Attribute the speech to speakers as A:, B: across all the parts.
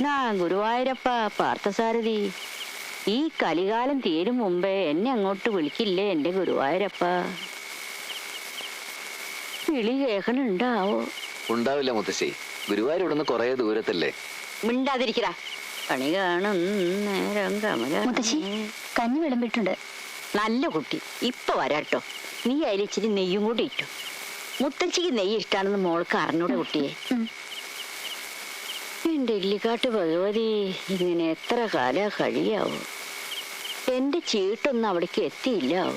A: കൃഷ്ണ ഗുരുവായൂരപ്പ പാർത്ഥസാരഥി, ഈ കലികാലം തീരും മുമ്പേ എന്നെ അങ്ങോട്ട് വിളിക്കില്ലേ എന്റെ ഗുരുവായൂരപ്പ? വിളി കേൾക്കണുണ്ടാവോ?
B: ഉണ്ടാവില്ല മുത്തശ്ശി, ഗുരുവായൂർ ഇവിടുന്ന് കുറെ ദൂരത്തല്ലേ.
A: മിണ്ടാതിരിക്കടാ, പണി കാണും നേരം കമല.
C: മുത്തശ്ശി കഞ്ഞി വിളമ്പിട്ടുണ്ട്.
A: നല്ല കുട്ടി, ഇപ്പൊ വരാട്ടോ. നീ അതിൽ ഇച്ചിരി നെയ്യും കൂടി ഇട്ടു. മുത്തച്ഛിക്ക് നെയ്യ് ഇഷ്ടാണെന്ന് മോൾക്ക് അറിഞ്ഞൂടെ കുട്ടിയെ? എന്റെ ഇല്ലിക്കാട്ട് ഭഗവതി, ഇങ്ങനെ എത്ര കാലം കഴിയാവോ? എന്റെ ചീട്ടൊന്നും അവിടേക്ക് എത്തിയില്ലാവോ?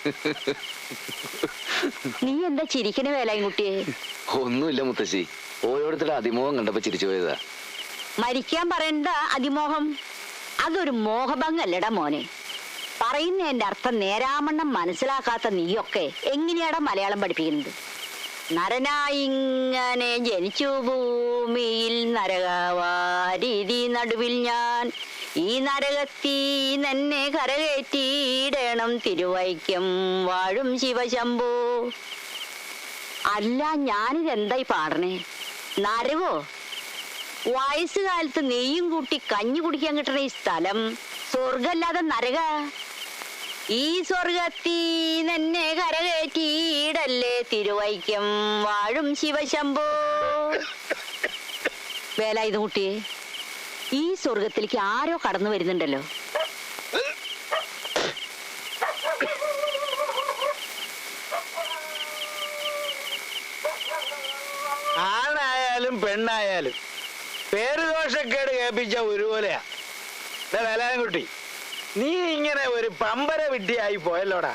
A: നീ എന്താ ചിരിക്കണ വേലായും കുട്ടിയെ?
B: ഒന്നുമില്ല മുത്തശ്ശി, ഓരോരുത്തരുടെ അതിമോഹം കണ്ടപ്പോ ചിരിച്ചു പോയതാ.
A: മരിക്കാൻ പറയണ്ട അതിമോഹം, അതൊരു മോഹഭംഗല്ലടാ മോനെ. പറയുന്നതിന്റെ അർത്ഥം നേരാമണ്ണം മനസ്സിലാക്കാത്ത നീയൊക്കെ എങ്ങനെയാടാ മലയാളം പഠിപ്പിക്കുന്നത്? നരനായിങ്ങനെ ജനിച്ചു ഭൂമിയിൽ നരകവാരീതി നടുവിൽ ഞാൻ, ഈ നരകത്തീ തന്നെ കരകയറ്റിയിടണം തിരുവൈക്കം വാഴും ശിവശംഭോ. അല്ല, ഞാനിതെന്തായി പാടണേ? നരകോ? വയസ്സുകാലത്ത് നെയ്യും കൂട്ടി കഞ്ഞി കുടിക്കാൻ കിട്ടണ ഈ സ്ഥലം സ്വർഗല്ലാതെ നരക? ഈ സ്വർഗത്തീ തന്നെ കരകയറ്റിയിടല്ലേ തിരുവൈക്കം വാഴും ശിവശംഭോ. വേലായുധ കുട്ടിയെ, ഈ സ്വർഗത്തിലേക്ക് ആരോ കടന്നു വരുന്നുണ്ടല്ലോ.
D: ആണായാലും പെണ്ണായാലും പേരുദോഷക്കേട് കേൾപ്പിച്ച ഒരുപോലെയാ. വേലാൻകുട്ടി, നീ ഇങ്ങനെ ഒരു പമ്പര വിഡ്ഢിയായി പോയല്ലോടാ.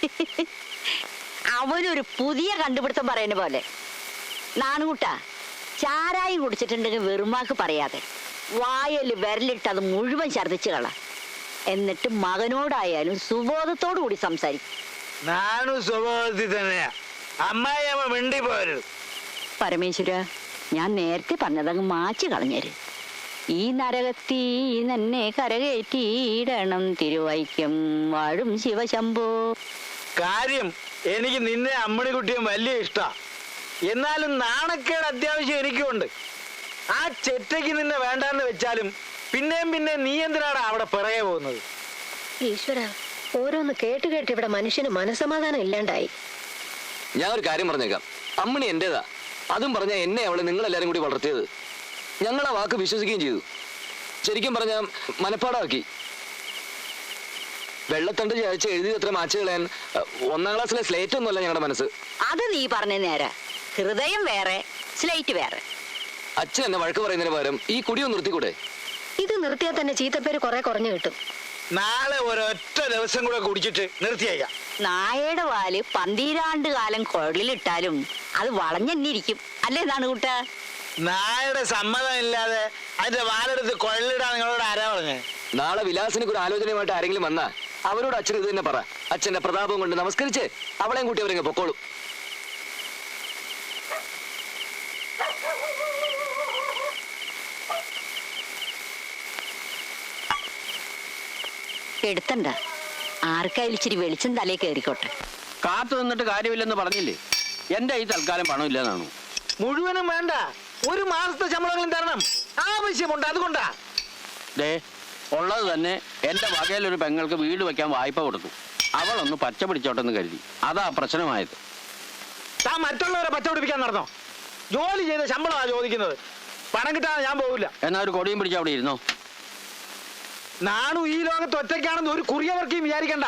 A: അവനൊരു പുതിയ കണ്ടുപിടുത്തം പറയുന്ന പോലെ. നാണുകൂട്ടാ, ചാരായം കുടിച്ചിട്ടുണ്ടെങ്കിൽ വെറുമാക്ക് പറയാതെ വായല് വിരലിട്ട് അത് മുഴുവൻ ഛർദ്ദിച്ചു കള. എന്നിട്ട് മകനോടായാലും സുബോധത്തോടു കൂടി സംസാരിക്കും.
D: നാണു സ്വഭാവത്തിൽ തന്നെയാ. അമ്മായിയമ്മ മിണ്ടി പോരുത്.
A: പരമേശ്വര, ഞാൻ നേരത്തെ പറഞ്ഞതങ്ങ് മാച്ചു കളഞ്ഞേര്. ഈ നരകത്തീ തന്നെ കരകയറ്റിയിടണം തിരുവൈക്കം വാഴും ശിവശംഭോ.
D: കാര്യം എനിക്ക് നിന്നെ അമ്മണിക്കുട്ടിയും വലിയ ഇഷ്ടാ. എന്നാലും നാണക്കേട് അത്യാവശ്യം എനിക്കുണ്ട്. ആ ചെറ്റയ്ക്ക് നിന്നെ വേണ്ടാന്ന് വെച്ചാലും പിന്നെയും പിന്നെ നീ എന്തിനാണ് അവിടെ പിറകെ പോകുന്നത്?
C: ഈശ്വര, ഓരോന്ന് കേട്ട് കേട്ട് ഇവിടെ മനുഷ്യന് മനസമാധാനം ഇല്ലാണ്ടായി.
B: ഞാൻ ഒരു കാര്യം പറഞ്ഞേക്കാം, അമ്മണി എന്റേതാ. അതും പറഞ്ഞ എന്നെ അവളെ നിങ്ങളെല്ലാരും കൂടി വളർത്തിയത്. ഞങ്ങൾ ആ വാക്ക് വിശ്വസിക്കുകയും ചെയ്തു. ശരിക്കും പറഞ്ഞ മനപ്പാടാക്കി. വെള്ളത്തണ്ട് ചായച്ച് എഴുതി അത്ര മാച്ച് കളയാൻ 1ാം ക്ലാസ്സിലെ സ്ലേറ്റ് ഒന്നുമല്ല ഞങ്ങളുടെ മനസ്സ്.
A: അത് നീ പറഞ്ഞ നേരെ. ഹൃദയം വേറെ, സ്ലേറ്റ് വേറെ.
B: അച്ഛൻ എന്നെ വഴക്ക് പറയുന്നതിന് പകരം ഈ കുടിയൊന്ന് നിർത്തിക്കൂടെ?
C: ഇത് നിർത്തിയാൽ തന്നെ ചീത്തപ്പേര് കുറെ കുറഞ്ഞു കിട്ടും.
D: നാളെ ഒരൊറ്റ ദിവസം കൂടെ കുടിച്ചിട്ട് നിർത്തിയേക്കാം.
A: നായയുടെ വാല് 12 കാലം കുഴലിലിട്ടാലും അത് വളഞ്ഞെന്നിരിക്കും അല്ലേ നാണുകൂട്ടാ?
D: നായയുടെ സമ്മതം ഇല്ലാതെ അതിന്റെ വാലെടുത്ത് കൊള്ളിടാൻ നിങ്ങളോട് ആരാ പറഞ്ഞേ?
B: നാളെ വിലാസിനൊക്കെ ഒരു ആലോചനയുമായിട്ട് ആരെങ്കിലും വന്നാ അവരോട് അച്ഛൻ ഇത് തന്നെ പറ. അച്ഛന്റെ പ്രതാപം കൊണ്ട് നമസ്കരിച്ച് അവളെയും കൂട്ടി അവരെങ്ങ് പൊക്കോളും.
A: എടുത്തണ്ട, ആർക്കായാലും ഇച്ചിരി വെളിച്ചം തലേ കയറിക്കോട്ടെ.
E: കാത്തു നിന്നിട്ട് കാര്യമില്ലെന്ന് പറഞ്ഞില്ലേ? എന്റെ ഈ തൽക്കാലം പണമില്ലെന്നാണു.
D: മുഴുവനും വേണ്ട, 1 മാസത്തെ ശമ്പളങ്ങളും തരണം. ആവശ്യമുണ്ട്, അതുകൊണ്ടാ.
E: ദേ, ഉള്ളത് തന്നെ എന്റെ വകയിലൊരു പെങ്ങൾക്ക് വീട് വെക്കാൻ വായ്പ കൊടുത്തു. അവളൊന്ന് പച്ച പിടിച്ചോട്ടെന്ന് കരുതി. അതാ പ്രശ്നമായത്.
D: താൻ മറ്റുള്ളവരെ പച്ചപിടിപ്പിക്കാൻ നടന്നോ? ജോലി ചെയ്ത ശമ്പളമാ ചോദിക്കുന്നത്. പണം കിട്ടാതെ ഞാൻ പോകില്ല.
E: എന്നാ ഒരു കൊടിയും പിടിച്ച് അവിടെ ഇരുന്നോ.
D: നാണു ഈ ലോകത്ത് ഒറ്റയ്ക്കാണെന്ന് ഒരു കുറിയവർക്കും വിചാരിക്കണ്ട.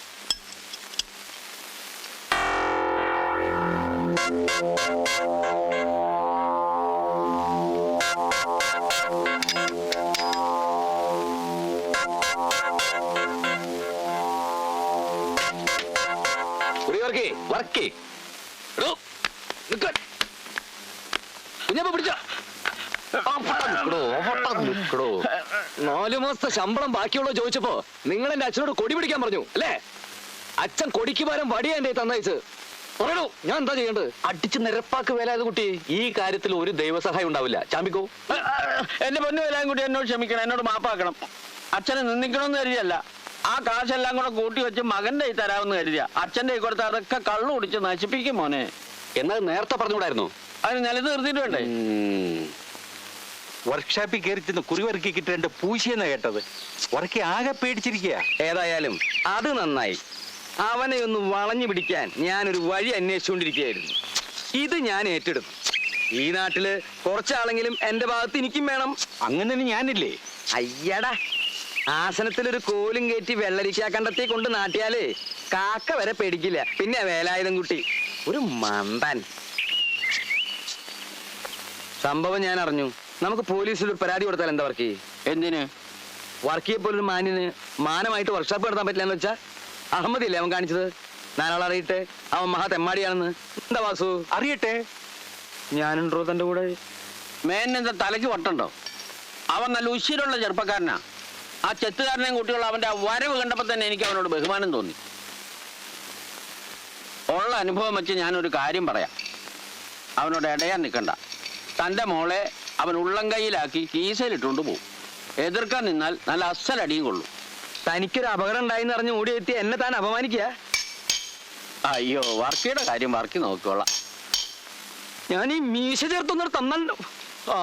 B: പിടിച്ച 4 മാസത്തെ ശമ്പളം ബാക്കിയുള്ളോ ചോദിച്ചപ്പോ നിങ്ങൾ എന്റെ അച്ഛനോട് കൊടി പിടിക്കാൻ പറഞ്ഞു അല്ലേ? അച്ഛൻ കൊടിക്ക് പകരം വടിയാ എന്റെ തന്നയച്ച്. പറയണോ, ഞാൻ എന്താ ചെയ്യേണ്ടത്? അടിച്ച് നിരപ്പാക്ക് വേലായത് കുട്ടി. ഈ കാര്യത്തിൽ ഒരു ദൈവസഹായം ഉണ്ടാവില്ല. ചാമ്പിക്കോ.
E: എന്റെ പൊന്നു വേലായും കൂടി എന്നോട് ക്ഷമിക്കണം, എന്നോട് മാപ്പാക്കണം. അച്ഛനെ നിന്ദിക്കണമെന്ന് കരുതിയല്ല. ആ കാശെല്ലാം കൂടെ കൂട്ടി വെച്ച് മകന്റെ കൈ തരാമെന്ന് കരുതിയ. അച്ഛന്റെ കൈ കൊടുത്ത് അതൊക്കെ കള്ളു കുടിച്ച് നശിപ്പിക്കും മോനെ.
B: എന്നാൽ നേരത്തെ പറഞ്ഞുകൂടായിരുന്നു?
E: അതിന് നിലത്ത് നിർത്തിയിട്ട് വേണ്ടേ?
F: വർക്ക്ഷോപ്പിൽ കയറി ചെന്ന് കുറിവറുക്കി കിട്ടേണ്ട പൂശിയെന്നാ കേട്ടത്. വർക്കി ആകെ പേടിച്ചിരിക്കുക.
B: ഏതായാലും അത് നന്നായി. അവനെ ഒന്ന് വളഞ്ഞു പിടിക്കാൻ ഞാനൊരു വഴി അന്വേഷിച്ചുകൊണ്ടിരിക്കുകയായിരുന്നു. ഇത് ഞാൻ ഏറ്റെടുത്തു. ഈ നാട്ടില് കുറച്ചാളെങ്കിലും എന്റെ ഭാഗത്ത് എനിക്കും വേണം.
F: അങ്ങനെ ഞാനില്ലേ?
B: അയ്യടാ, ആസനത്തിലൊരു കോലും കയറ്റി വെള്ളരിക്കാ കണ്ടത്തി കൊണ്ട് നാട്ടിയാലേ കാക്ക വരെ പേടിക്കില്ല. പിന്നെ വേലായുധം കുട്ടി ഒരു മണ്ടൻ. സംഭവം ഞാൻ അറിഞ്ഞു. നമുക്ക് പോലീസിൽ ഒരു പരാതി കൊടുത്താൽ എന്താ വർക്ക്?
E: എന്തിന്?
B: വർക്കിയെ പോലൊരു മാന്യന് മാനമായിട്ട് വർക്ക്ഷോപ്പ് നടത്താൻ പറ്റില്ല എന്ന് വെച്ചാ അഹമ്മദില്ലേ അവൻ കാണിച്ചത്? നാലാൾ അറിയട്ടെ അവൻ മഹാ തെമ്മാടിയാണെന്ന്. എന്താ വാസു?
F: അറിയട്ടെ.
B: ഞാനുണ്ടോ തന്റെ കൂടെ?
E: മേനെന്താ തലയ്ക്ക് വട്ടുണ്ടോ? അവൻ നല്ല ഉശിരുള്ള ചെറുപ്പക്കാരനാ. ആ ചെത്തുകാരനെയും കുട്ടികളും അവന്റെ ആ വരവ് കണ്ടപ്പോ തന്നെ എനിക്ക് അവനോട് ബഹുമാനം തോന്നി. ഉള്ള അനുഭവം വെച്ച് ഞാനൊരു കാര്യം പറയാം. അവനോട് ഇടയാൻ നിൽക്കണ്ട. തന്റെ മോളെ അവൻ ഉള്ളം കൈയിലാക്കി കീസയിലിട്ടുകൊണ്ട് പോകും. എതിർക്കാൻ നിന്നാൽ നല്ല അസലടിയും കൊള്ളും.
B: തനിക്കൊരു അപകടം ഉണ്ടായിന്ന് അറിഞ്ഞ് ഓടിയെത്തി എന്നെ താൻ അപമാനിക്കുക?
E: അയ്യോ, വർക്കിയുടെ കാര്യം വർക്കി നോക്കിക്കോളാം.
B: ഞാൻ ഈ മീശ ചേർത്തൊന്നും തന്നല്ലോ. ആ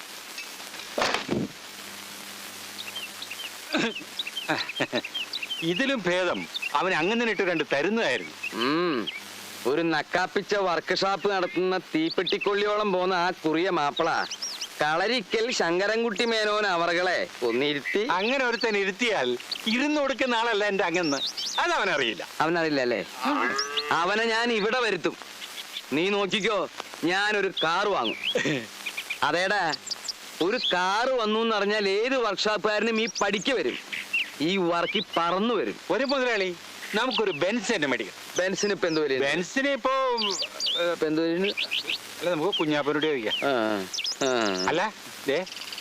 F: ഇതിലും ഭേദം അവൻ അങ്ങനെ ഇട്ട് കണ്ട് തരുന്നതായിരുന്നു.
B: ഒരു നക്കാപ്പിച്ച വർക്ക്ഷോപ്പ് നടത്തുന്ന തീപ്പെട്ടിക്കൊള്ളിയോളം പോന്ന ആ കുറിയ മാപ്പിള കളരിക്കൽ ശങ്കരൻകുട്ടി മേനോൻ അവറുകളെ ഒന്നിരുത്തി.
F: അങ്ങനെ ഒരുത്തൻ ഇരുത്തിയാൽ ഇരുന്ന് കൊടുക്കുന്ന ആളല്ല എന്റെ അങ്ങന്ന്. അതവനറിയില്ല.
B: അവനറിയില്ല അല്ലേ? അവനെ ഞാൻ ഇവിടെ വരുത്തും. നീ നോക്കിക്കോ, ഞാനൊരു കാറ് വാങ്ങും. അതേടാ, ഒരു കാറ് വന്നു എന്നറിഞ്ഞാൽ ഏത് വർക്ക്ഷോപ്പുകാരനും ഈ പഠിക്ക് വരും. ഈ വർക്കി പറന്നു വരും.
F: ഒരു മുതലാളി, നമുക്കൊരു ബെൻസ് തന്നെ മേടിക്കാം.
B: ബെൻസിന് ഇപ്പൊ എന്ത് വില?
F: ബെൻസിന് ഇപ്പോ
B: എന്ത് വില?
F: അല്ല, നമുക്ക് കുഞ്ഞാപ്പനോട് ചോദിക്കാം. അല്ല ദേ,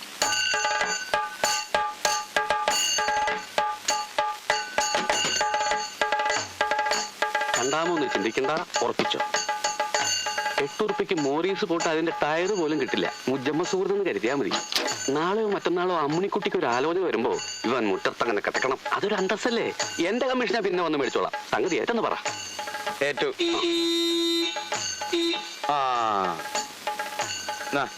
G: രണ്ടാമൊന്നും ചിന്തിക്കണ്ട, ഉറപ്പിച്ചോ. 8 ഉറുപ്പിക്ക് മോറീസ് പോട്ട് അതിന്റെ ടയർ പോലും കിട്ടില്ല. മുജമ്മ സുഹൃത്തെന്ന് കരുതിയാ മതി. നാളെയോ മറ്റന്നാളോ അമ്മിണിക്കുട്ടിക്ക് ഒരു ആലോചന വരുമ്പോ ഇവൻ മുറ്റത്തങ്ങനെ കിടക്കണം. അതൊരു അന്തസ്സല്ലേ? എന്റെ കമ്മീഷനെ പിന്നെ വന്ന് മേടിച്ചോളാം. സംഗതി ഏറ്റെന്ന് പറ.
B: ഏറ്റു. ആ നാ.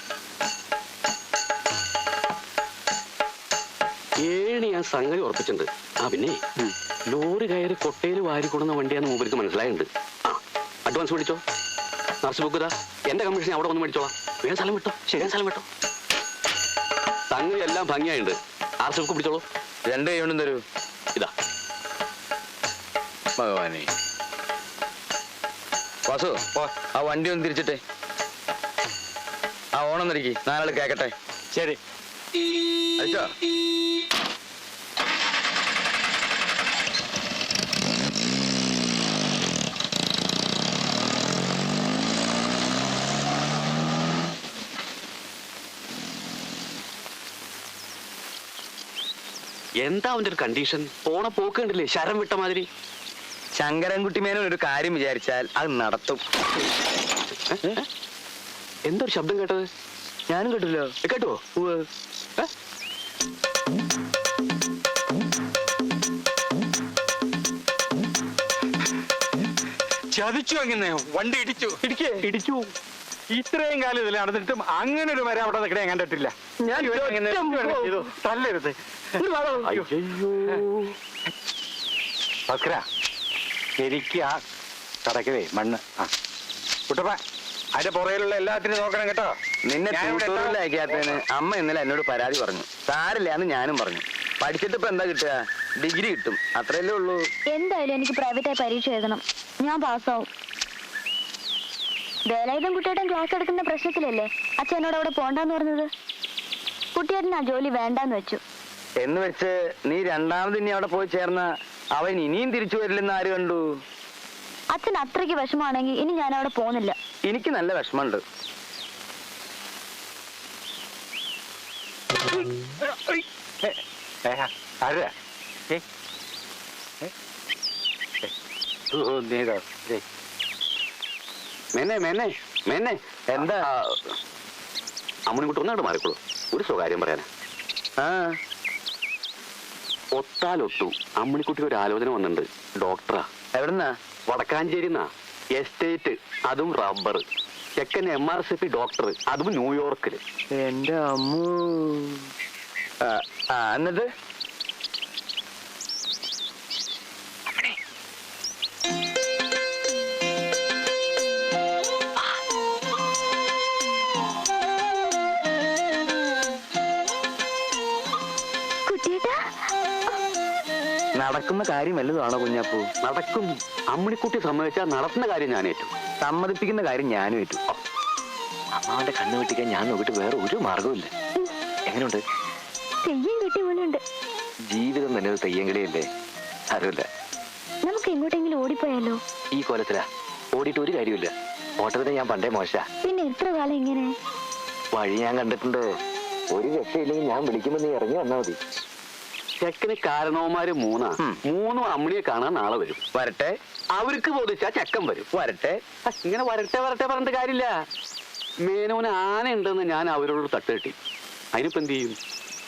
G: 7 ഞാൻ സംഗതി ഉറപ്പിച്ചിട്ടുണ്ട്. ആ പിന്നെ ലോറി കയറി കൊട്ടയിൽ വാരി കൊടുന്ന വണ്ടിയാന്ന് മൂപ്പർക്ക് മനസ്സിലായിട്ടുണ്ട്. ആ അഡ്വാൻസ് മേടിച്ചോ. നർസ് ബുക്ക് എന്റെ കമ്മീഷൻ അവിടെ വന്ന് മേടിച്ചോളാം. വേഗം സ്ഥലം വിട്ടോ. ശരിയാൻ സ്ഥലം വിട്ടോ. സംഗതി എല്ലാം ഭംഗിയായിട്ടുണ്ട്. ആർസ് ബുക്ക് പിടിച്ചോളൂ.
B: 2 കൈകൊണ്ടും തരൂ.
G: ഇതാ
B: ഭഗവാനെ. വാസു, ആ വണ്ടി ഒന്ന് തിരിച്ചിട്ടെ. ആ ഓണം തിരിക്കി, 4 ആൾ കേക്കട്ടെ.
F: ശരി.
B: അയച്ചോ.
G: എന്താ അവന്റെ ഒരു കണ്ടീഷൻ? പോണ പോക്ക് കണ്ടില്ലേ, ശരം വിട്ട മാതിരി.
B: ശങ്കരൻകുട്ടി മേനോൻ ഒരു കാര്യം വിചാരിച്ചാൽ അത് നടത്തും.
G: എന്തൊരു ശബ്ദം കേട്ടത്?
B: ഞാനും കേട്ടില്ലോ.
G: കേട്ടോ?
F: ചതിച്ചു. അങ്ങനെ വണ്ടി ഇടിച്ചു. ഇടിച്ചു. ഇത്രയും കാലം ഇതിൽ നടന്നിട്ടും അങ്ങനെ ഒരു മരം അവിടെ നിൽക്കണേ കണ്ടിട്ടില്ല. ഞാൻ തല്ലരുത്. ഭക്ര, ശരിക്കും ആ കടക്കവേ മണ്ണ്. ആ കുട്ടപ്പ, അതിന്റെ പുറയിലുള്ള എല്ലാത്തിനും നോക്കണം കേട്ടോ.
B: നിന്നെ ട്യൂട്ടോറിയൽ അയക്കാത്തതിന് അമ്മ ഇന്നലെ എന്നോട് പരാതി പറഞ്ഞു. സാരില്ല എന്ന് ഞാനും പറഞ്ഞു. പഠിച്ചിട്ട് ഇപ്പൊ എന്താ കിട്ടുക? ഡിഗ്രി കിട്ടും, അത്രയല്ലേ ഉള്ളൂ.
H: എന്തായാലും എനിക്ക് പ്രൈവറ്റായി പരീക്ഷ എഴുതണം. ഞാൻ പാസ്സാവും. വേലായുധം കുട്ടിയേട്ടൻ ക്ലാസ് എടുക്കുന്ന പ്രശ്നത്തിലല്ലേ അച്ഛനോട് അവിടെ പോണ്ടെന്ന് പറഞ്ഞത്? കുട്ടിയേട്ടൻ ആ ജോലി വേണ്ടാന്ന് വെച്ചു.
B: എന്ന് വെച്ച് നീ രണ്ടാമത് ഇനി അവിടെ പോയി ചേർന്ന അവൻ ഇനിയും തിരിച്ചു വരില്ലെന്ന് ആര് കണ്ടു?
H: അച്ഛൻ അത്രയ്ക്ക് വിഷമാണെങ്കിൽ ഇനി ഞാൻ അവിടെ പോകുന്നില്ല.
B: എനിക്ക് നല്ല വിഷമമുണ്ട്.
F: ആരാ?
G: മേനെ മേനെ മേനെ,
B: എന്താ?
G: അമ്മണിക്കുട്ടി ഒന്നാട് മാറിക്കോളൂ. ഒരു സ്വകാര്യം പറയാനാ.
B: ആ
G: ഒത്താലൊട്ടു അമ്മണിക്കുട്ടിക്ക് ഒരു ആലോചന വന്നിട്ടുണ്ട്. ഡോക്ടറാ.
B: എവിടുന്നാ?
G: വടക്കാഞ്ചേരിന്നാ. എസ്റ്റേറ്റ്, അതും റബ്ബർ. ചെക്കൻ MRCP ഡോക്ടർ, അതും ന്യൂയോർക്കില്.
D: എന്റെ അമ്മൂ. എന്നിട്ട്
H: കുട്ടിയേട്ടാ,
D: നടക്കുന്ന കാര്യം വല്ലതുമാണോ കുഞ്ഞാപ്പൂ?
G: നടക്കും. അമ്മിണിക്കുട്ടി സമ്മതിച്ചാൽ നടത്തുന്ന കാര്യം ഞാൻ ഏറ്റു.
D: സമ്മതിപ്പിക്കുന്ന കാര്യം ഞാനും ഏറ്റു.
B: അമ്മാവന്റെ കണ്ണ് വെട്ടിക്കാൻ ഞാൻ നോക്കിയിട്ട് വേറെ ഒരു മാർഗവുമില്ല. എങ്ങനെയുണ്ട്?
H: തെയ്യം കെട്ടി പോലുണ്ട്.
B: ജീവിതം തന്നെ ഒരു തെയ്യങ്കളിയല്ലേ? അറിയില്ല.
H: നമുക്ക് എങ്ങോട്ടെങ്കിലും ഓടിപ്പോയാലോ?
B: ഈ കോലത്തിലാ ഓടിയിട്ട് ഒരു കാര്യമില്ല. ഓട്ടത്തിന് ഞാൻ പണ്ടേ മോശ.
H: പിന്നെ എത്ര കാലം ഇങ്ങനെ?
B: വഴി ഞാൻ കണ്ടിട്ടുണ്ട്. ഒരു രക്ഷയില്ലെങ്കിൽ ഞാൻ വിളിക്കുമ്പോ നീ ഇറങ്ങി വന്നാ മതി.
G: ചെക്കന് കാരണവന്മാര് മൂന്നും അമ്മിണിയെ കാണാൻ നാളെ വരും.
D: വരട്ടെ.
G: അവർക്ക് ബോധിച്ചാ ചെക്കൻ വരും.
D: വരട്ടെ.
G: ഇങ്ങനെ വരട്ടെ വരട്ടെ പറഞ്ഞിട്ട് കാര്യമില്ല. മേനോന് ആന ഉണ്ടെന്ന് ഞാൻ അവരോട് തട്ട് കെട്ടി. അതിനിപ്പോ എന്ത് ചെയ്യും?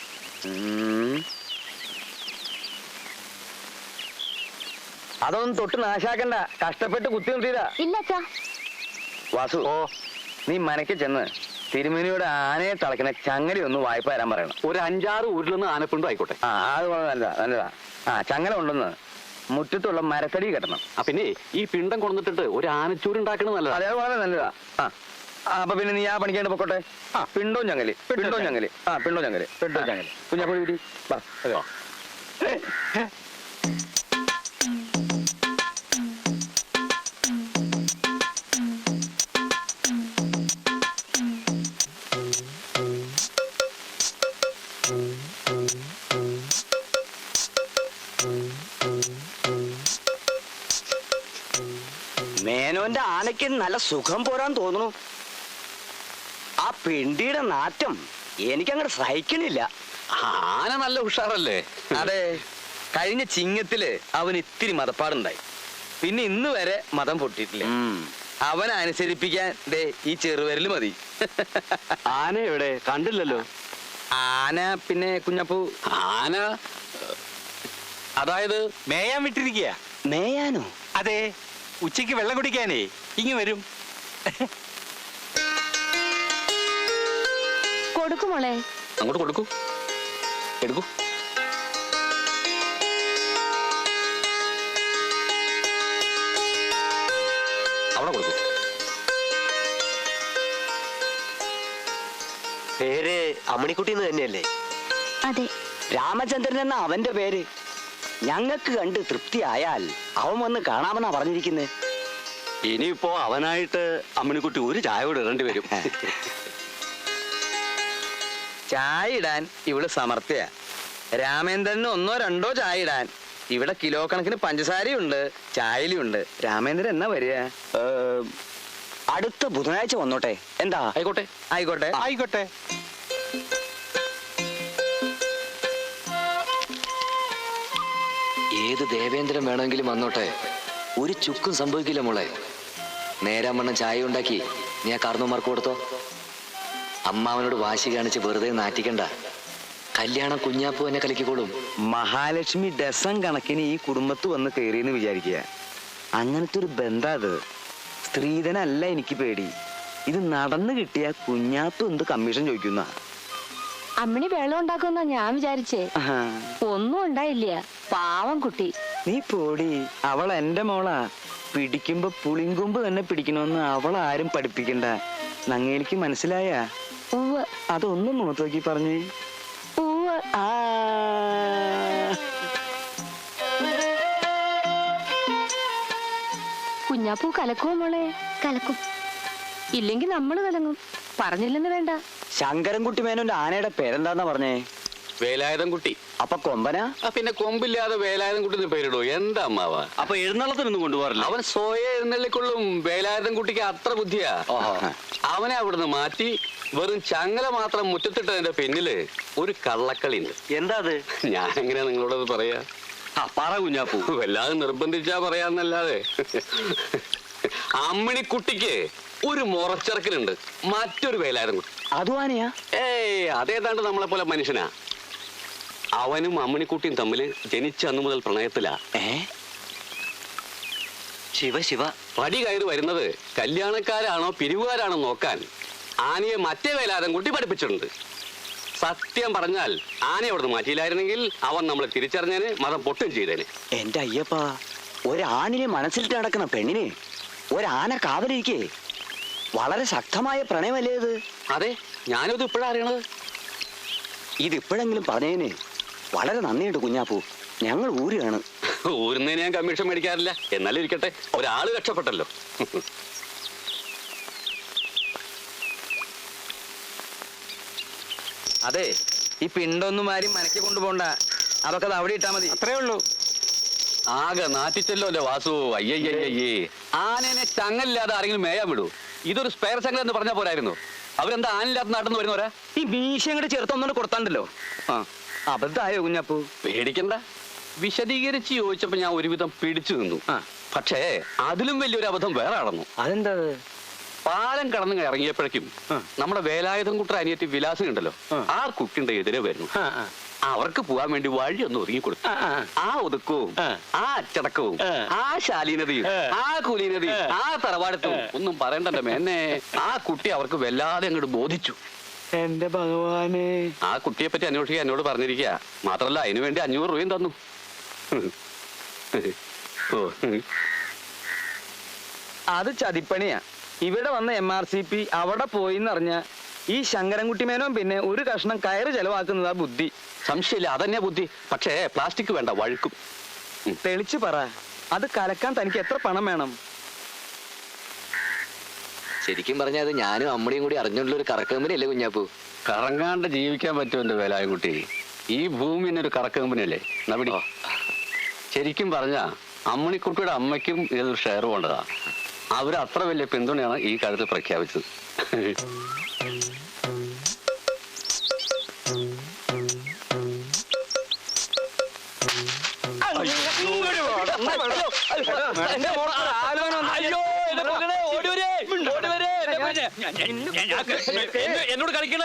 D: അതൊന്നും തൊട്ട് നാശാക്കണ്ട. കഷ്ടപ്പെട്ട് കുത്തി നിർത്തിയതാ.
H: ഇല്ല അച്ഛാ.
D: വാസു, നീ മനക്ക് ചെന്ന് തിരുമേനിയോട് ആനയെ തളയ്ക്കുന്ന ചങ്ങല ഒന്ന് വായ്പ തരാൻ പറയണം.
G: ഒരു 5-6 ഊരിലൊന്ന് ആനപ്പിണ്ടോ ആയിക്കോട്ടെ.
D: അത് നല്ലതാ, നല്ലതാ. ചങ്ങല കൊണ്ടുവന്ന് മുറ്റത്തുള്ള മരത്തടി കെട്ടണം.
G: പിന്നെ ഈ പിണ്ടം കൊണ്ടിട്ട് ഒരു ആനച്ചൂര് ഉണ്ടാക്കണത് നല്ലതാ.
D: അതെ, അത് വളരെ നല്ലതാ. അപ്പൊ പിന്നെ നീ ആ പണിക്കാണ്ട് പൊക്കോട്ടെ. പിണ്ടോ ഞങ്ങല്, പിണ്ടോ ഞങ്ങല്, പിണ്ടോ ഞങ്ങല്, പിണ്ടോ ഞങ്ങല്. കുഞ്ഞാപ്പുഴ വീട്ടി വാ.
I: മേനോന്റെ ആനയ്ക്ക് നല്ല സുഖം പോരാൻ തോന്നുന്നു. ആ പിണ്ടിയുടെ നാറ്റം എനിക്കങ്ങോട്ട് സഹിക്കണില്ല.
G: ആന നല്ല ഉഷാറല്ലേ?
D: അതെ, കഴിഞ്ഞ ചിങ്ങത്തില് അവൻ ഇത്തിരി മതപ്പാടുണ്ടായി. പിന്നെ ഇന്ന് വരെ മതം പൊട്ടിയിട്ടില്ല. അവനെ അനുസരിപ്പിക്കാൻ ദേ ഈ ചെറുവിരൽ മതി.
G: ആന എവിടെ? കണ്ടില്ലല്ലോ.
D: ആന പിന്നെ കുഞ്ഞപ്പൂ,
G: ആന അതായത്
F: മേയാൻ വിട്ടിരിക്കുക.
I: മേയാനോ?
F: അതെ, ഉച്ചയ്ക്ക് വെള്ളം കുടിക്കാനേ ഇങ്ങ് വരും.
H: കൊടുക്കുമോളെ.
G: അങ്ങോട്ട് കൊടുക്കൂ, എടുക്കൂ. അവിടെ കൊടുക്കൂ.
I: പേര് അമ്മണിക്കുട്ടി എന്ന് തന്നെയല്ലേ?
H: അതെ.
I: രാമചന്ദ്രൻ എന്ന അവന്റെ പേര്. ഞങ്ങൾക്ക് കണ്ട് തൃപ്തിയായാൽ അവൻ വന്ന് കാണാമെന്നാ പറഞ്ഞിരിക്കുന്നത്.
G: ഇനിയിപ്പോ അവനായിട്ട് അമ്മിണിക്കുട്ടി ഒരു ചായ കൂടെ ഇടേണ്ടി വരും.
D: ചായ ഇടാൻ ഇവിടെ സമർത്ഥ്യ. രാമേന്ദ്രന് 1-2 ചായ ഇടാൻ ഇവിടെ കിലോ കണക്കിന് പഞ്ചസാരയുണ്ട്, ചായയിലുണ്ട്. രാമേന്ദ്രൻ എന്നാ വരിക?
I: അടുത്ത ബുധനാഴ്ച വന്നോട്ടെ. എന്താ?
G: ആയിക്കോട്ടെ.
D: ആയിക്കോട്ടെ,
F: ആയിക്കോട്ടെ.
B: ഏത് ദേവേന്ദ്രൻ വേണമെങ്കിലും വന്നോട്ടെ, ഒരു ചുക്കും സംഭവിക്കില്ല മോളെ. നേരാമണ്ണം ചായ ഉണ്ടാക്കി നീ ആ കാർന്നോമാർക്ക് കൊടുത്തോ. അമ്മാവനോട് വാശി കാണിച്ച് വെറുതെ നാറ്റിക്കണ്ട. കല്യാണം കുഞ്ഞാപ്പൂ എന്നെ കലക്കിക്കോളും.
D: മഹാലക്ഷ്മി ഡസൻ കണക്കിന് ഈ കുടുംബത്ത് വന്ന് കയറിയെന്ന് വിചാരിക്കുക. അങ്ങനത്തെ ഒരു ബന്ധം അത്. സ്ത്രീധനല്ല എനിക്ക് പേടി. ഇത് നടന്നു കിട്ടിയ കുഞ്ഞാപ്പു എന്ത് കമ്മീഷൻ ചോദിക്കുന്ന?
H: അമ്മിണി വെള്ളം ഉണ്ടാക്കുമെന്നാ ഞാൻ വിചാരിച്ചേ. ഒന്നും ഉണ്ടായില്ല. പാവം കുട്ടി.
D: നീ പോടി. അവൾ എന്റെ മോളാ. പിടിക്കുമ്പോ പുളിങ്കൊമ്പ് തന്നെ പിടിക്കണമെന്ന് അവളാരും പഠിപ്പിക്കണ്ട. നങ്ങേലിക്ക് മനസ്സിലായ?
H: ഉവ്വ്.
D: അതൊന്നും മുഖത്ത് നോക്കി പറഞ്ഞേ.
H: ഉവ്വ്. കുഞ്ഞാപ്പൂ കലക്കുമോ മോളെ? കലക്കും. ഇല്ലെങ്കിൽ നമ്മള് കലങ്ങും. പറഞ്ഞില്ലെന്ന് വേണ്ട.
I: ശങ്കരൻകുട്ടി മേനോന്റെ ആനയുടെ പേരെന്താന്നാ പറഞ്ഞേ?
G: വേലായുധം കുട്ടി.
I: അപ്പൊ കൊമ്പനാ?
G: പിന്നെ കൊമ്പില്ലാതെ വേലായുധം കുട്ടി പേരിടോ? എന്താ അമ്മാവ?
E: അപ്പൊ എഴുന്നള്ളത്തിനൊന്നും കൊണ്ടുപോകാറില്ല?
G: അവൻ സ്വയം എഴുന്നള്ളിക്കൊള്ളും. വേലായുധം കുട്ടിക്ക് അത്ര ബുദ്ധിയാ. അവനെ അവിടുന്ന് മാറ്റി വെറും ചങ്ങല മാത്രം മുറ്റത്തിട്ടതിന്റെ പിന്നില് ഒരു കള്ളക്കളി ഉണ്ട്.
E: എന്താ അത്?
G: ഞാൻ എങ്ങനെയാ നിങ്ങളോടത് പറയാ?
E: പറ കുഞ്ഞാപ്പൂ.
G: വല്ലാതെ നിർബന്ധിച്ചാ പറയാന്നല്ലാതെ. അമ്മിണിക്കുട്ടിക്ക് ഒരു മുറച്ചിറക്കലുണ്ട്, മറ്റൊരു വേലായുധം കുട്ടി.
I: അതും ആനയാ?
G: അതേതാണ്ട് നമ്മളെ പോലെ മനുഷ്യനാ. അവനും അമ്മിണിക്കുട്ടിയും തമ്മിൽ ജനിച്ച അന്നു മുതൽ പ്രണയത്തിലാ.
I: ശിവ ശിവ.
G: പടി കയറി വരുന്നത് കല്യാണക്കാരാണോ പിരിവുകാരാണോ നോക്കാൻ ആനയെ മറ്റേ വേലാതം കുട്ടി പഠിപ്പിച്ചിട്ടുണ്ട്. സത്യം പറഞ്ഞാൽ ആനയെ അവിടുന്ന് മാറ്റിയില്ലായിരുന്നെങ്കിൽ അവൻ നമ്മളെ തിരിച്ചറിഞ്ഞേന്, മതം പൊട്ടും ചെയ്തേന്.
I: എന്റെ അയ്യപ്പ, ഒരാണിനെ മനസ്സിലിട്ട് നടക്കുന്ന പെണ്ണിനെ ഒരാന കാവലിരിക്കേ. വളരെ ശക്തമായ പ്രണയമല്ലേ ഇത്?
G: അതെ, ഞാനിത് ഇപ്പോഴാ അറിയണത്.
I: ഇതിപ്പോഴെങ്കിലും പറഞ്ഞതിന് വളരെ നന്ദിയുണ്ട് കുഞ്ഞാപ്പൂ. ഞങ്ങൾ ഊരാണ്.
G: ഊരുന്നതിന് ഞാൻ കമ്മീഷൻ മേടിക്കാറില്ല. എന്നാലും ഇരിക്കട്ടെ, ഒരാള് രക്ഷപ്പെട്ടല്ലോ.
D: അതെ, ഈ പിണ്ടൊന്നും ആരും മനക്കി കൊണ്ടുപോണ്ട. അതൊക്കെ അത് അവിടെ ഇട്ടാ മതി.
F: അത്രേ ഉള്ളൂ.
G: ആകെ നാറ്റിച്ചല്ലോ അല്ലേ വാസു. അയ്യയ്യയ്യേ, ആനേനെ ചങ്ങലില്ലാതെ ആരെങ്കിലും മേയാൻ വിടൂ. ഇതൊരു സ്പെയർ ചങ്ങല എന്ന് പറഞ്ഞാൽ പോരായിരുന്നു. അവരെന്താ ആനില്ലാത്ത നാട്ടിൽ നിന്ന് വരുന്നവരാ?
D: ഈ മീശ അങ്ങോട്ട് ചേർത്തൊന്നും കൊടുത്താണ്ടല്ലോ. അബദ്ധായോ കുഞ്ഞാപ്പൂ?
G: പേടിക്കണ്ട. വിശദീകരിച്ച് ചോദിച്ചപ്പോ ഞാൻ ഒരുവിധം പിടിച്ചു നിന്നു. പക്ഷേ അതിലും വലിയൊരു അബദ്ധം വേറെ നടന്നു.
D: അതെന്താ?
G: പാലം കടന്ന് ഇറങ്ങിയപ്പോഴേക്കും നമ്മുടെ വേലായുധം കുട്ടർ അനിയത്തി വിലാസം ഉണ്ടല്ലോ, ആ കുട്ടിന്റെ എതിരെ വരുന്നു. അവർക്ക് പോവാൻ വേണ്ടി വഴി ഒന്ന് ഒതുങ്ങി കൊടുത്തു. ആ ഒതുക്കവും ആ അച്ചടക്കവും ആ ശാലീനതയും ആ കുലീനതയും ആ തറവാടത്തും ഒന്നും പറയണ്ടല്ലോ മേന്നെ. ആ കുട്ടി അവർക്ക് വല്ലാതെ അങ്ങോട്ട് ബോധിച്ചു.
D: എന്റെ ഭഗവാനെ,
G: ആ കുട്ടിയെ പറ്റി അന്വേഷിക്കാൻ എന്നോട് പറഞ്ഞിരിക്കുക. മാത്രല്ല അതിനു വേണ്ടി 500 രൂപയും തന്നു. ഓ,
D: അത് ചതിപ്പണിയാ. ഇവിടെ വന്ന MRCP അവിടെ പോയിന്നറിഞ്ഞ ഈ ശങ്കരൻകുട്ടി മേനോൻ പിന്നെ ഒരു കഷ്ണം കയറ് ചെലവാക്കുന്നതാ ബുദ്ധി.
G: സംശയമില്ല, അതന്നെ ബുദ്ധി. പക്ഷേ പ്ലാസ്റ്റിക് വേണ്ട, വഴുക്കും.
D: തെളിച്ചു പറ, അത് കലക്കാൻ തനിക്ക് എത്ര പണം വേണം?
B: ശരിക്കും പറഞ്ഞാൽ അത് ഞാനും അമ്മടിയും കൂടി അറിഞ്ഞുള്ള ഒരു കറക്കമ്പനി അല്ലേ കുഞ്ഞാപ്പൂ?
G: കറങ്ങാണ്ട് ജീവിക്കാൻ പറ്റുമല്ലോ വേലായൻകുട്ടി. ഈ ഭൂമി ഒരു കറക്കമ്പനി അല്ലേ നവിടി. ശരിക്കും പറഞ്ഞ അമ്മണിക്കുട്ടിയുടെ അമ്മയ്ക്കും ഇതൊരു ഷെയർ വേണ്ടതാ. അവർ അത്ര വലിയ പിന്തുണയാണ് ഈ കാര്യത്തിൽ പ്രഖ്യാപിച്ചത്. എന്നോട് കളിക്കണ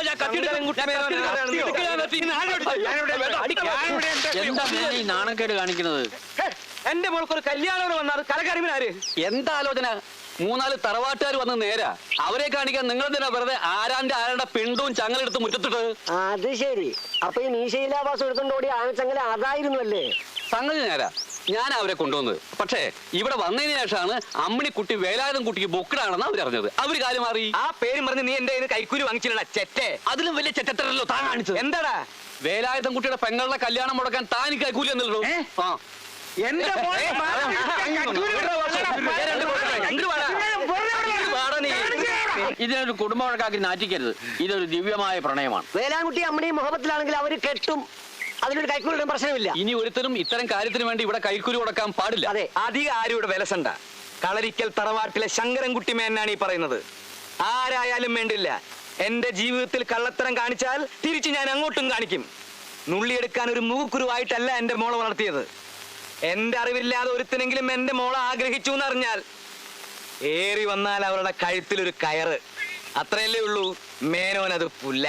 E: എന്താ ഈ നാണക്കേട് കാണിക്കുന്നത്?
D: എന്റെ മോൾക്കൊരു കല്യാണം വന്നാൽ കലകരിവിനാര്?
G: എന്താ ആലോചന? 3-4 തറവാട്ടുകാർ വന്ന് നേരാ. അവരെ കാണിക്കാൻ നിങ്ങൾ തന്നെ വെറുതെ ആരാന്റെ പിണ്ടവും ചങ്ങലെടുത്ത് മുറ്റത്തിട്ട്.
I: അത് ശരി. അപ്പൊ ഈ മീശയിലാവാസം എടുത്തോണ്ട് ആനച്ചങ്ങല അതായിരുന്നു അല്ലേ?
G: സംഗതി നേരാ, ഞാൻ അവരെ കൊണ്ടുവന്നത്. പക്ഷേ ഇവിടെ വന്നതിന് ശേഷമാണ് അമ്മണിക്കുട്ടി വേലായുധം കുട്ടിക്ക് ബൊക്കിടാണെന്ന് അവരറിഞ്ഞത്. അവര് കാര്യം മാറി.
D: ആ പേര് പറഞ്ഞ് നീ എന്റെ കൈക്കൂലി വാങ്ങിച്ചില്ല ചെറ്റേ.
G: അതിലും വലിയ ചെറ്റത്തരല്ലോ താൻ കാണിച്ചത്.
D: എന്താടാ?
G: വേലായുധം കുട്ടിയുടെ പെങ്ങളുടെ കല്യാണം മുടക്കാൻ താൻ കൈക്കൂലി എന്നല്ലോ.
D: എന്റെ
E: ഇതിനൊരു കുടുംബ വഴക്കാക്കി നാറ്റിക്കരുത്. ഇതൊരു ദിവ്യമായ പ്രണയമാണ്.
I: വേലാൻകുട്ടി അമ്മയും മുഹബത്തിലാണെങ്കിൽ അവര് കെട്ടും. അതിലൊരു കൈക്കൂലിയുടെ പ്രശ്നമില്ല.
G: ഇനി ഒരുത്തരും ഇത്തരം കാര്യത്തിന് വേണ്ടി ഇവിടെ കൈക്കൂലി കൊടുക്കാൻ പാടില്ല.
I: അതെ,
D: അധികം ആരും ഇവിടെ വിലസണ്ട. കളരിക്കൽ തറവാട്ടിലെ ശങ്കരൻകുട്ടി മേനാണ് ഈ പറയുന്നത്. ആരായാലും വേണ്ടില്ല, എന്റെ ജീവിതത്തിൽ കള്ളത്തരം കാണിച്ചാൽ തിരിച്ച് ഞാൻ അങ്ങോട്ടും കാണിക്കും. നുള്ളിയെടുക്കാൻ ഒരു മൂക്കുരുവായിട്ടല്ല എന്റെ മോളെ വളർത്തിയത്. എന്റെ അറിവില്ലാതെ ഒരുത്തിനെങ്കിലും എന്റെ മോളെ ആഗ്രഹിച്ചു എന്നറിഞ്ഞാൽ ഏറി വന്നാൽ അവരുടെ കഴുത്തിലൊരു കയറ്. അത്രയല്ലേ ഉള്ളൂ. മേനോനത് പുല്ല.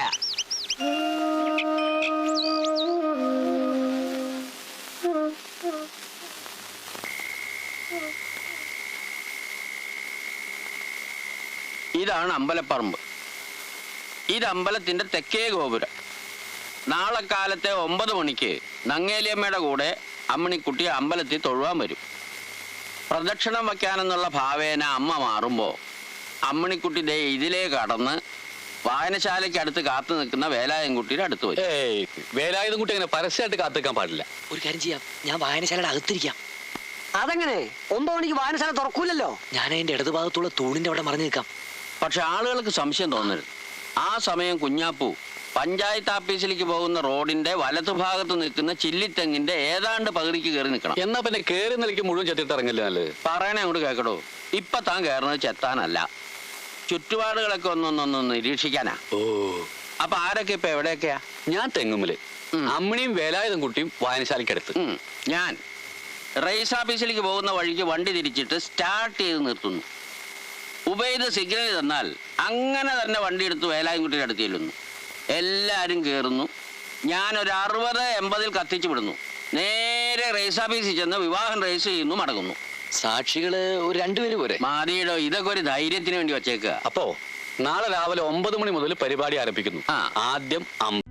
E: ഇതാണ് അമ്പലപ്പറമ്പ്. ഇത് അമ്പലത്തിന്റെ തെക്കേ ഗോപുരം. നാളെ കാലത്തെ 9 മണിക്ക് നങ്ങേലിയമ്മയുടെ കൂടെ അമ്മണിക്കുട്ടി അമ്പലത്തിൽ തൊഴുവാൻ വരും. പ്രദക്ഷിണം വയ്ക്കാനെന്നുള്ള ഭാവേന അമ്മ മാറുമ്പോ അമ്മണിക്കുട്ടി ദേ ഇതിലേ കടന്ന് വായനശാലയ്ക്ക് അടുത്ത് കാത്തു നിൽക്കുന്ന വേലായൻകുട്ടിയുടെ അടുത്ത് വരും.
G: വേലായുധം കുട്ടി അങ്ങനെ പരസ്യമായിട്ട് കാത്തിക്കാൻ പാടില്ല.
I: ഒരു കാര്യം ചെയ്യാം, ഞാൻ വായനശാലയുടെ അകത്തിരിക്കാം. അതെങ്ങനെ? 9 മണിക്ക് വായനശാല തുറക്കൂലല്ലോ. ഞാൻ അതിന്റെ ഇടതുഭാഗത്തുള്ള തൂണിന്റെ അവിടെ മറിഞ്ഞു നിൽക്കാം.
E: പക്ഷെ ആളുകൾക്ക് സംശയം തോന്നരുത്. ആ സമയം കുഞ്ഞാപ്പൂ പഞ്ചായത്ത് ഓഫീസിലേക്ക് പോകുന്ന റോഡിന്റെ വലതുഭാഗത്ത് നിൽക്കുന്ന ചില്ലിത്തെങ്ങിന്റെ ഏതാണ്ട് പകുതിക്ക് കയറി നിൽക്കണം.
G: എന്നാ പിന്നെ കേറി നിലയ്ക്ക് മുഴുവൻ ചെത്തിട്ട് ഇറങ്ങില്ല നല്ലത്.
E: പറയണേ അങ്ങോട്ട് കേൾക്കടോ. ഇപ്പൊ താൻ കയറുന്നത് ചെത്താനല്ല, ചുറ്റുപാടുകളൊക്കെ ഒന്നൊന്നൊന്ന് നിരീക്ഷിക്കാനാ.
G: ഓ,
E: അപ്പൊ ആരൊക്കെ ഇപ്പൊ എവിടെയൊക്കെയാ?
G: ഞാൻ തെങ്ങുമ്മല്, അമ്മണിയും വേലായുധം കുട്ടിയും വായനശാലയ്ക്കടുത്ത്.
E: ഞാൻ റേസ് ഓഫീസിലേക്ക് പോകുന്ന വഴിക്ക് വണ്ടി തിരിച്ചിട്ട് സ്റ്റാർട്ട് ചെയ്ത് നിർത്തുന്നു. ഉബൈദ് സിഗ്നൽ തന്നാൽ അങ്ങനെ തന്നെ വണ്ടി എടുത്ത് വേലായൻകുട്ടിയുടെ അടുത്ത് ചെല്ലുന്നു. എല്ലാവരും കയറുന്നു. ഞാനൊരു 60-80 കത്തിച്ചു വിടുന്നു. നേരെ റേസ് ഓഫീസിൽ ചെന്ന് വിവാഹം രജിസ്റ്റർ ചെയ്യുന്നു, മടങ്ങുന്നു.
B: സാക്ഷികള് ഒരു 2 പേര് പോരെ?
E: മാതിയിടോ, ഇതൊക്കെ ഒരു ധൈര്യത്തിന് വേണ്ടി വച്ചേക്കുക.
G: അപ്പോ നാളെ രാവിലെ 9 മണി മുതൽ പരിപാടി ആരംഭിക്കുന്നു.
E: ആ.
G: ആദ്യം